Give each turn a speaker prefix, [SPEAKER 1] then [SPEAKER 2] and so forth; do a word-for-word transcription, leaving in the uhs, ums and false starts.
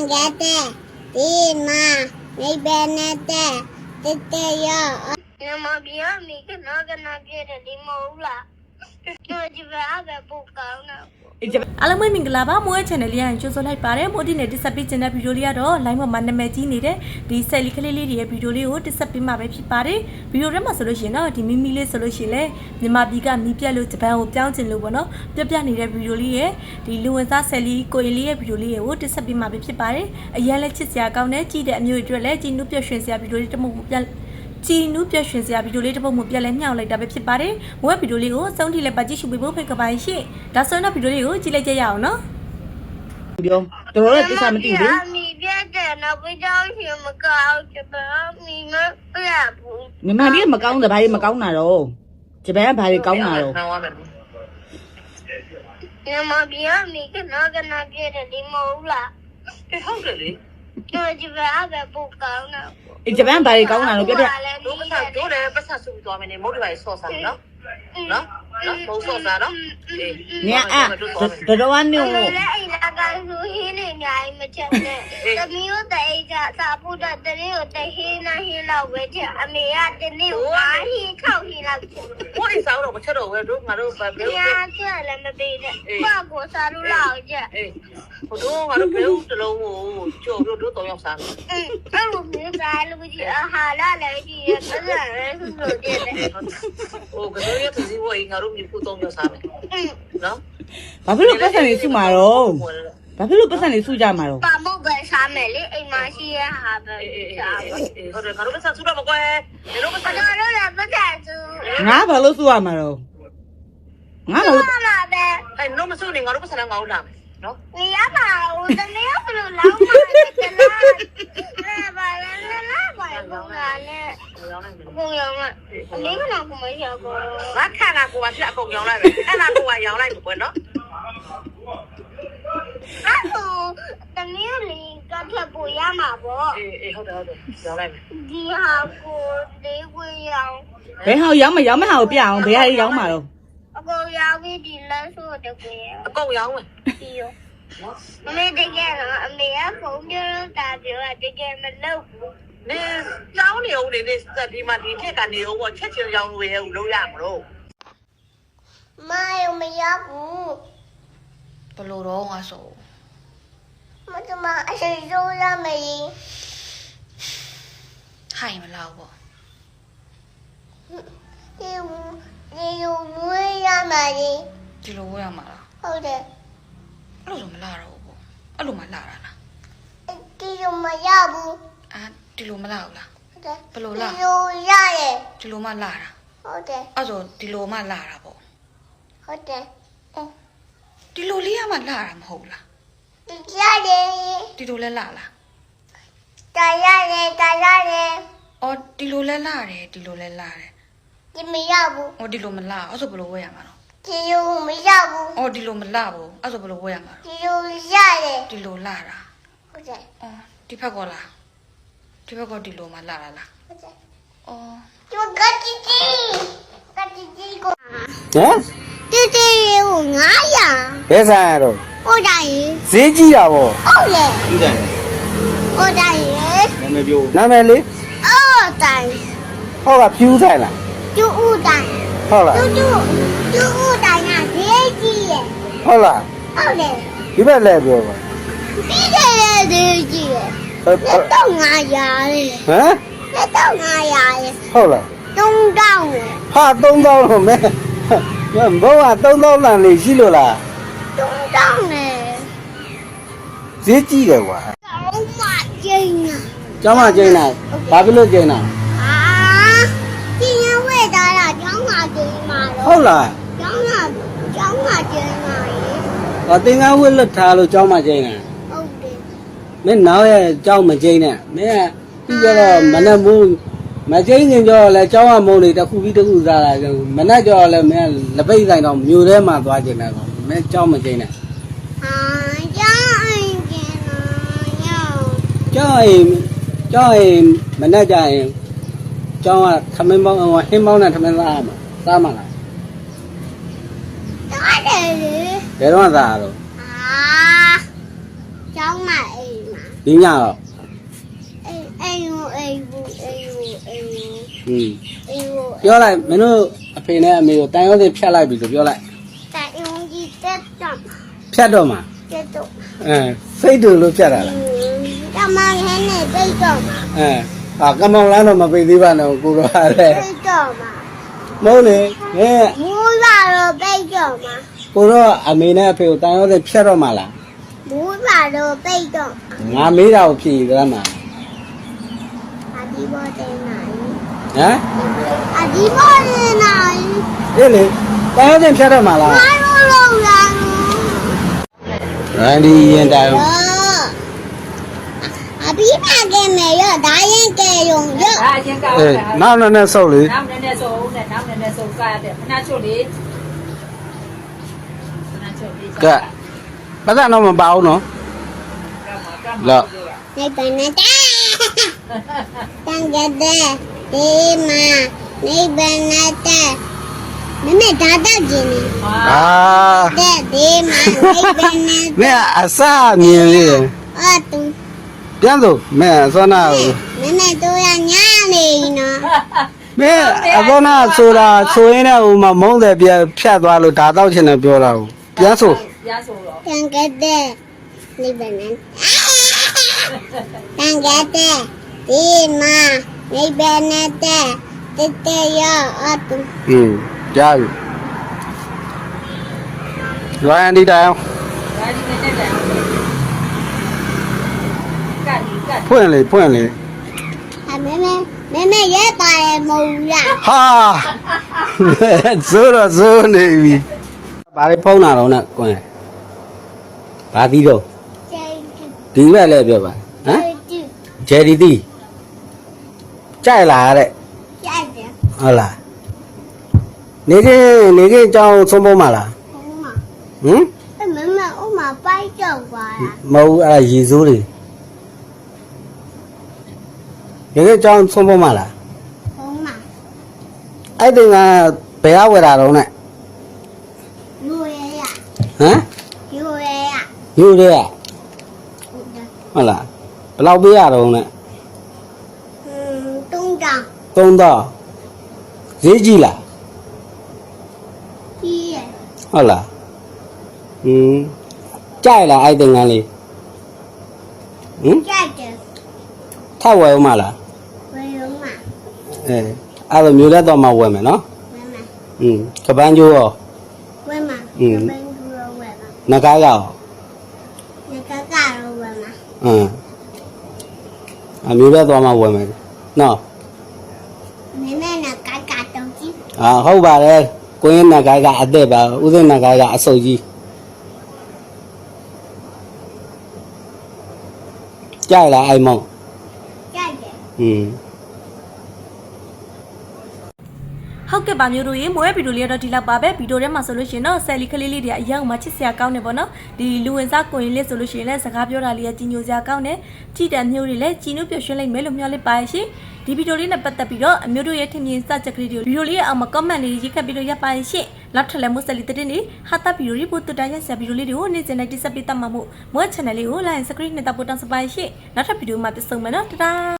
[SPEAKER 1] get it. Did ma, maybe not that. Did they ya? Nama biar mi ke naga naga di maula. Tu juga ada bukan.
[SPEAKER 2] အားလုံးပဲမင်္ဂလာပါမိုးရဲ့ channel လေးရရင်ကြိုဆိုလိုက်ပါတယ်မိုးဒီနဲ့တက်ဆက်ပေးခြင်းတဲ့ဗီဒီယိုလေးကတော့ line မှာနာမည်ကြီးနေတဲ့ဒီဆယ်လီကလေးလေးတွေရဲ့ဗီဒီယိုလေးကိုတက်ဆက်ပေးမှာပဲဖြစ်ပါတယ်ဗီဒီယိုထဲမှာဆိုလို့ရှိရင်တော့ဒီမီမီလေးဆိုလို့ရှိရင်လေမြန်မာပြည်ကမီးပြက်လို့ဂျပန်ကိုပြောင်းချင်လို့ပေါ့နော်ပြက်ပြနေတဲ့ဗီဒီယိုလေးရဲ့ဒီလူဝင်စားဆယ်လီကိုရင်လေးရဲ့ဗီဒီယိုလေးကိုတက်ဆက်ပေးမှာပဲဖြစ်ပါတယ်အရင်လဲချစ်စရာကောင်းတဲ့ကြည့်တဲ့အမျိုးတွေအတွက်လည်းကြည်နုပြရွှင်စရာဗီဒီယိုလေးတစ်မှုပြချီနူးပြရွှင်စရာဗီဒီယိုလေးတစ်ပုဒ်မှပြက်လဲမြှောက်လိုက်တာပဲဖြစ်ပါတယ်။မိုးရဲ့ဗီဒီယိုလေးကိုအဆုံးထိလည်းပါကြည့်ရှုပေးဖို့ဖိတ်ကပါရှင့်။ဒါဆိုရင်တော့ဗီဒီယိုလေးကိုကြည့်လိုက်ကြရအောင်နော်။
[SPEAKER 3] ပြောတော်တော်တိကျမသိဘူး
[SPEAKER 1] Mi viene no voy a ir a Macau, que para mi no bravo.
[SPEAKER 3] မြန်မာပြည်မကောင်းတယ်ဘာကြီးမကောင်းတာတော့ဂျပန်ကဘာကြီးကောင်းတာတော့
[SPEAKER 1] Nama biar mi que no gana quiere di maula.
[SPEAKER 4] ဟုတ်တယ်လေ
[SPEAKER 1] Tu juga ada bukan.
[SPEAKER 3] အေးဂျပန်ဘာကြီးကောင်းတာတော့ပြပြ
[SPEAKER 4] တို့ပတ်ဆက်တို့လည်းပတ်ဆက်ဆူသွားမယ်နေမဟုတ်တယ်ပါဆော့စားနော်နော်နော်မဟုတ်ဆော့စားနော်အေး
[SPEAKER 3] ညအဲ့တော်တော်ကနေ
[SPEAKER 1] Mẹ ấy là cái thứ hi này nhảy mà chậm nè. Tao miêu tay ra sao phụ được tay liu tay hi na hi lâu với chợ mẹ ăn tay liu quá hi khâu hi lâu.
[SPEAKER 4] ဘိုးအိစားတော့မချက်တော့ဘူးတို့ငါတို့ပဲဘယ်လို
[SPEAKER 1] Nhà chưa là mà bị đấy. Ba của sao lu lâu chứ.
[SPEAKER 4] အေးဟိုတို့ငါတို့ဘယ်လိုတလုံးကိုကျို့တို့တို့တော့ရောက်စား
[SPEAKER 1] Ừ, ăn một miếng dài luôn chứ hà la lại gì cái gì đấy không được tiền đấy.
[SPEAKER 4] ဟိုကလေးရသူစီဝေးငါတို့မြေခုတော့ရောက်စားမယ်
[SPEAKER 1] Ừ.
[SPEAKER 4] နော်
[SPEAKER 3] ဘာဖြစ်လို့ပတ်စံနေစုမှာတော့ဘာဖြစ်လို့ပတ်စံနေစုကြမှာတော့
[SPEAKER 1] Ba một cái sao mẹ lấy em mà xí hà về.
[SPEAKER 4] အေးအေးအေးဟုတ်တယ်ငါတို့ပတ်ဆက်ဆူတော့မကွယ်ဒီလိုပတ်ဆက်
[SPEAKER 1] Đó đó là bất tài chứ.
[SPEAKER 3] ငါဘာလို့စုရမှာတော့ငါဘာလို့
[SPEAKER 1] Ba mà về.
[SPEAKER 4] အဲ့တော့မဆူနေငါတို့ပတ်ဆက်လည်းငါတို့လာမယ်နော်
[SPEAKER 1] Ni apa? Udah ni apa lu lama jalan. Nah, balan lah, balan bunga.
[SPEAKER 4] ရောင်းလိုက်မယ်
[SPEAKER 1] Bunga mah. Ni kan aku mau siapa?
[SPEAKER 4] ငါခါနာကိုပါဖြစ်အကုန်ရောင်းလိုက်မယ်အဲ့နာကိုကရောင်းလိုက်ကွယ်နော်
[SPEAKER 1] Aku tadi ni kan siapa ya mabo.
[SPEAKER 4] အေးအေးဟုတ်တယ်ဟုတ်တယ်ရောင်းလိုက်မယ်
[SPEAKER 1] Dia aku dia aku yang
[SPEAKER 3] ဘယ်ဟာရောင်းမရောင်းမဟာကိုပြအောင်ဘယ်ဟာရောင်းမှာတော့
[SPEAKER 1] aku yang ni di lasu dia aku yang.
[SPEAKER 4] အကုန်ရောင်းမယ်
[SPEAKER 1] Dia. Mẹ dia kan, mẹ aku dia tak dia dia kan meluk.
[SPEAKER 4] နေကျောင်းနေဦးနေနေဒီမှာဒီထက်ကနေဦးပေါ့ချက်ချင်းရောင်းလို့ရဦးလို့ရမလို့
[SPEAKER 1] Mai mẹ aku.
[SPEAKER 5] ဘလို့တော့ငါဆို
[SPEAKER 1] Mà sao mà anh sẽ vô ra mày?
[SPEAKER 5] ဟိုင်မလောက်ပေါ့
[SPEAKER 1] Yêu yêu vui ra mày.
[SPEAKER 5] ဒီလိုဝဲရမှာလား
[SPEAKER 1] ဟုတ်တယ်
[SPEAKER 5] အဲ့လိုဆိုမလာတော့ဘူးပေါ့အဲ့လိုမှလာတာလား
[SPEAKER 1] ဒီလိုမရဘူး
[SPEAKER 5] အာဒီလိုမလာဘူးလား
[SPEAKER 1] ဟုတ်တယ်
[SPEAKER 5] ဘလို့လား
[SPEAKER 1] ဒီလိုရတယ်
[SPEAKER 5] ဒီလိုမှလာတာ
[SPEAKER 1] ဟုတ်တယ်
[SPEAKER 5] အဲ့ဆိုဒီလိုမှလာတာပေါ့
[SPEAKER 1] ဟုတ်တယ်
[SPEAKER 5] အော်ဒီလိုလေးကမှလာတာမဟုတ်လား
[SPEAKER 1] ဒီရတယ်
[SPEAKER 5] ဒီလိုလဲလာလား
[SPEAKER 1] တာရတယ်တာရတယ်
[SPEAKER 5] အော်ဒီလိုလဲလာတယ်ဒီလိုလဲလာတယ်
[SPEAKER 1] ဒီမရဘူး
[SPEAKER 5] အော်ဒီလိုမလာအဲ့ဆိုဘလို့ဝဲရမှာတော့
[SPEAKER 1] ဒီလိုမရဘူး
[SPEAKER 5] အော်ဒီလိုမလာဘူးအဲ့ဆိုဘလို့ဝဲရမှာတော့
[SPEAKER 1] ဒီလိုရတယ်
[SPEAKER 5] ဒီလိုလာတာ
[SPEAKER 1] ဟုတ်တယ်
[SPEAKER 5] အော်ဒီဘက်ကလားဒီဘက်ကဒီလိုမှလာတာလား
[SPEAKER 1] ဟုတ်တယ်
[SPEAKER 5] အော်
[SPEAKER 1] ဒီကတိတိကတိတိကို
[SPEAKER 6] ဟမ်
[SPEAKER 1] တိတိကိုငါးရာ
[SPEAKER 6] ဘယ်ဆိုင်ရတော့
[SPEAKER 1] ဟုတ်တယ်
[SPEAKER 6] ဈေးကြီးတာဗော
[SPEAKER 1] ဟုတ်လေ
[SPEAKER 6] ကြီးတယ်
[SPEAKER 1] ဟုတ်တယ်
[SPEAKER 6] နာမည်ပြောနာမည်လေး
[SPEAKER 1] ဟုတ်တယ်
[SPEAKER 6] ဟောကဖြူးဆိုင်လား
[SPEAKER 1] ကျူဦးတိုင်း
[SPEAKER 6] ဟုတ်လား
[SPEAKER 1] ကျူကျူကျူဦးတိုင်းကဈေးကြီးရဲ့
[SPEAKER 6] ဟုတ်လား
[SPEAKER 1] ဟုတ်တယ်
[SPEAKER 6] ဒီဘက်လဲပြောပါ
[SPEAKER 1] ပြီးတယ်ဈေးကြီးရဲ့
[SPEAKER 6] ဟုတ်ဟုတ်
[SPEAKER 1] တော့ငါရာလေ
[SPEAKER 6] ဟမ်
[SPEAKER 1] တော့ငါရာလေ
[SPEAKER 6] ဟုတ်လား
[SPEAKER 1] သုံးတောင်းလေ
[SPEAKER 6] ဟာသုံးသောင်းလို့မဲဘောကသုံးသောင်းလန်လေးရှိလို့လား
[SPEAKER 1] သုံးတောင်းလေ
[SPEAKER 6] ဈေးကြီးတယ်ကွာ
[SPEAKER 1] တော့မကျင်းနာ
[SPEAKER 6] ကျောင်းမကျင်းတာဘာဖြစ်လို့ကျင်းတာ
[SPEAKER 1] အာဒီရဝဲတာလားကျောင်းမှာကျင်းမှာ
[SPEAKER 6] ဟု
[SPEAKER 1] တော့
[SPEAKER 6] တ်လား
[SPEAKER 1] ကျောင်းမှာကျောင်းမှာကျင်းမှာရေ
[SPEAKER 6] ဟောသင်္ကန်းဝတ်လွတ်ထားလို့ကျောင်းမကျင်းတာ
[SPEAKER 1] ဟုတ်တယ်
[SPEAKER 6] မင်းနောက်ရဲ့ကျောင်းမကျင်းနဲ့မင်းကပြီးကြတော့မနဲ့မိုးမကျင်းခင်ကြောလဲကျောင်းကမုံတွေတစ်ခုပြီးတစ်ခုစားတာမနဲ့ကြောလဲမင်းလက်ပိတ်ဆိုင်တော့မြို့ထဲမှာသွားကျင်တယ်ကောမင်းကျောင်းမကျင်းနဲ့
[SPEAKER 1] အာကျောင်းအင်းကျင်းနာညော
[SPEAKER 6] ကျောင်းအိမ်ကျောင်းအိမ်မနဲ့ကြရင်ကျောင်းကထမင်းပေါင်းဟိုဟင်းပေါင်းနဲ့ထမင်းစားရမှာစားမှာလား
[SPEAKER 1] တားတယ်လေ
[SPEAKER 6] ဘယ်တော့မှစားရတော့
[SPEAKER 1] အာကျောင်းမှာအေးမှာ
[SPEAKER 6] ဒီညတော့
[SPEAKER 1] အေးအေးယူအေးဘူးအေးယူအေးယူ
[SPEAKER 6] ဟင်း
[SPEAKER 1] အေးယူ
[SPEAKER 6] ပြောလိုက်မင်းတို့အဖေနဲ့အမေကိုတန်ရုံးစင်ဖြတ်လိုက်ပြီဆိုပြောလိုက်
[SPEAKER 1] တိုင်ယုံကြီးတက်တော့
[SPEAKER 6] ဖြတ်တော့မှာ
[SPEAKER 1] တက်တော့
[SPEAKER 6] အဲစိတ်တူလို့ဖြတ်တာလား
[SPEAKER 1] တမန်ခဲနဲ့ပိတ်တော့မှာ
[SPEAKER 6] အဲဟာကမောင်လန်းတော့မပိတ်သေးပါနဲ့ကိုတော့ဟာလေ
[SPEAKER 1] ပိတ်တော့မှာ
[SPEAKER 6] မဟုတ်လေငဲ
[SPEAKER 1] မူးလာတော့ပိတ်တော့မှာ
[SPEAKER 6] ကိုတော့အမေနဲ့အဖေကိုတန်ရုံးစင်ဖြတ်တော့မှာလား
[SPEAKER 1] မူးလာတော့ပိတ်တော့
[SPEAKER 6] ငါမေးတာကိုဖြေကြမှာ
[SPEAKER 1] အဒီဘောတဲ့နိုင်
[SPEAKER 6] ဟမ်
[SPEAKER 1] အဒီဘောတဲ့နိုင်
[SPEAKER 6] အေးလေတန်ရုံးစင်ဖြတ်တော့မှာလား
[SPEAKER 1] ဘာလို့လုံးလာ
[SPEAKER 6] ရန်ဒီရင်တိုင်
[SPEAKER 1] တော့အဘိမကဲမယ်ရဒါရင်ကဲယုံရ
[SPEAKER 2] ဒါအရင်ကောက်
[SPEAKER 6] အေး
[SPEAKER 2] တာ
[SPEAKER 6] နောက်နဲ့နဲ့ဆုပ်လေ
[SPEAKER 2] နောက်နည်းနည်းဆိုဦးနဲ့နောက်နည်းနည်းဆိုကားရတယ်ခဏချုပ်လေးခဏချုပ်လေး
[SPEAKER 6] ကဲပတ်သက်တော့မပါဘူးနော်လော
[SPEAKER 1] နေပနတာတန်ကြတဲ့ဒီမှာနေပနတာမမေဒါတော့ကျင်းနေ
[SPEAKER 6] အာ
[SPEAKER 1] တဲ့ဒီမှာနေပန
[SPEAKER 6] မင်းအစမြင်လေ
[SPEAKER 1] အတူ
[SPEAKER 6] ပြန်စို့မင်းအစောနာကို
[SPEAKER 1] မမေတို့ရညာနေနော်
[SPEAKER 6] မင်းအစောနာဆိုတာဆိုရင်လည်းဟိုမှာမုန်းတယ်ပြန်ဖြတ်သွားလို့ဒါတော့ချင်တယ်ပြောတာကိုပြန်စို့
[SPEAKER 2] ရဆိုတော့
[SPEAKER 1] တန်ကြတဲ့နေပနတန်ကြတဲ့ဒီမှာနေပနတာတက်တဲ့ရအတူ
[SPEAKER 6] อืมကြားပြီရွာရန်ဒီတိုင်အောင်
[SPEAKER 2] ဒါဒီနဲ့တက်တယ်ကတ်ကတ်
[SPEAKER 6] ဖွင့်လေဖွင့်လေ
[SPEAKER 1] အမေမေမေမေရဲပါတယ်မဟုတ်လား
[SPEAKER 6] ဟာဇိုးတော့ဇိုးနေပြီဘာလေးဖုံးတာတော့နဲ့ကွန်းဘာသီးတော့
[SPEAKER 1] ကျေး
[SPEAKER 6] ဒီဘက်လည်းပြောပါဟမ်
[SPEAKER 1] ကျေး
[SPEAKER 6] ဂျယ်ဒီသီးကြိုက်လာတဲ့
[SPEAKER 1] ကြိုက်တယ်
[SPEAKER 6] ဟုတ်လားနေကင်းနေကင်းကြောင်းသုံးဖို့မလား
[SPEAKER 1] ဟုတ်မှာ
[SPEAKER 6] ဟမ်
[SPEAKER 1] အမေမေဥမာပိုက်ကြောက်ပါလား
[SPEAKER 6] မဟုတ်ဘူးအဲ့ဒါရေစိုးတွေနေကင်းကြောင်းသုံးဖို့မလား
[SPEAKER 1] ဟုတ်မှာ
[SPEAKER 6] အဲ့တင်ကဘယ်အဝယ်တာတော့နဲ့
[SPEAKER 1] လူရဲရ
[SPEAKER 6] ဟမ်
[SPEAKER 1] လူရဲရ
[SPEAKER 6] ယူရဲ
[SPEAKER 1] ဟုတ်တယ်
[SPEAKER 6] ဟုတ်လားဘယ်လောက်ပေးရတော့နဲ့
[SPEAKER 1] ဟင်းတုံးတောင်
[SPEAKER 6] သုံးတော့ဈေးကြီးလား
[SPEAKER 1] ကြီးရ
[SPEAKER 6] ဟုတ်လားဟင်းကြိုက်လားအဲ့တင်ကလေးဟမ်
[SPEAKER 1] ကြိုက်တယ်
[SPEAKER 6] ထပ်ဝယ်ဦးမလား
[SPEAKER 1] ဝယ်လုံးမှာ
[SPEAKER 6] အဲအဲ့လိုမျိုးလက်တော့မှဝယ်မယ်နော်
[SPEAKER 1] ဝယ်မှာ
[SPEAKER 6] ဟင်းကပန်းကျိုးရော
[SPEAKER 1] ဝယ်မှာ
[SPEAKER 6] ဟင်း
[SPEAKER 1] ဘယ်လိုလဲဝယ်မှာ
[SPEAKER 6] နဂါးရော
[SPEAKER 1] ငါကကတော့ဝယ်မှာ
[SPEAKER 6] အင်းအမျိုးလက်တော့မှဝယ်မယ်နော်
[SPEAKER 1] မေမေကကကတော့ကြီး
[SPEAKER 6] အာဟုတ်ပါတယ်ကိုင်းနဂါးကအသက်ပါဥစဉ်နဂါးကအဆုပ်ကြီးကြိုက်လားအဲ့မောင်
[SPEAKER 1] ကြိုက်တယ်
[SPEAKER 6] ဟင်း
[SPEAKER 2] ဟုတ်ကဲ့ပါမျိုးတို့ရေမိုးရဲ့ဗီဒီယိုလေးတော့ဒီလောက်ပါပဲဗီဒီယိုထဲမှာဆိုလို့ရှိရင်တော့ဆယ်လီကလေးလေးတွေအရင်ကမှချစ်စရာကောင်းနေပေါ့နော်ဒီလူဝင်စားကိုရင်လေးဆိုလို့ရှိရင်လည်းစကားပြောတာလေးကကြီးညိုစရာကောင်းတယ်ကြည်တံမျိုးတွေလည်းကြီးနုပျော်ရွှင်လိုက်မယ်လို့မျှော်လင့်ပါရဲ့ရှင်ဒီဗီဒီယိုလေးနဲ့ပတ်သက်ပြီးတော့အမျိုးတို့ရဲ့ထင်မြင်စချက်ကလေးတွေဗီဒီယိုလေးရဲ့အောက်မှာ comment လေးရေးခတ်ပြီးတော့ရပ်ပါရဲ့ရှင်နောက်ထပ်လည်းမိုးဆယ်လီတဲ့နေဟာတာဗီဒီယိုလေးပို့တူတိုင်းရဆရာဗီဒီယိုလေးတွေကိုနေ့စဉ်နဲ့တိစပ်ပေးတတ်မှာမို့မိုး channel လေးကို like subscribe နဲ့တပ်ဖို့တောင်းစပါရဲ့ရှင်နောက်ထပ်ဗီဒီယိုမှာပြန်ဆုံမယ်နော်တဒါ